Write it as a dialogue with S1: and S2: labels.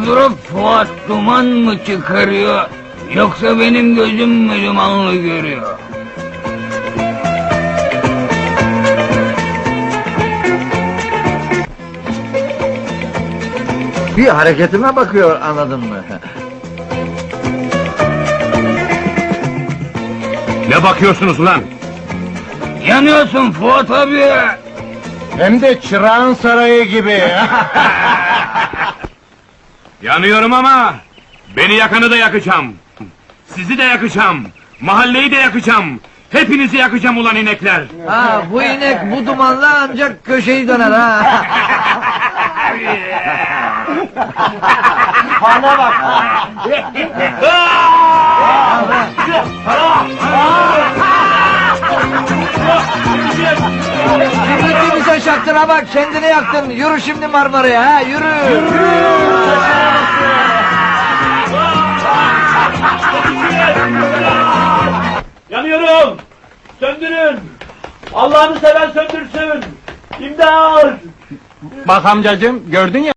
S1: Durup durup Fuat duman mı çıkarıyor, yoksa benim gözüm mü dumanlı görüyor?
S2: Bir hareketime bakıyor, anladın mı?
S3: Ne bakıyorsunuz ulan?
S1: Yanıyorsun Fuat abi!
S2: Hem de çırağın sarayı gibi.
S3: Yanıyorum ama beni yakanı da yakacağım. Sizi de yakacağım. Mahalleyi de yakacağım. Hepinizi yakacağım ulan inekler.
S2: Ha, bu inek bu dumanla ancak köşeyi döner ha. Bana bak. Kibritli bize şaktın ha bak, kendini yaktın. Yürü şimdi Marmara'ya ha, yürü.
S4: Yanıyorum! Söndürün! Allah'ını seven söndürsün! İmdat!
S2: Bak amcacığım, gördün ya.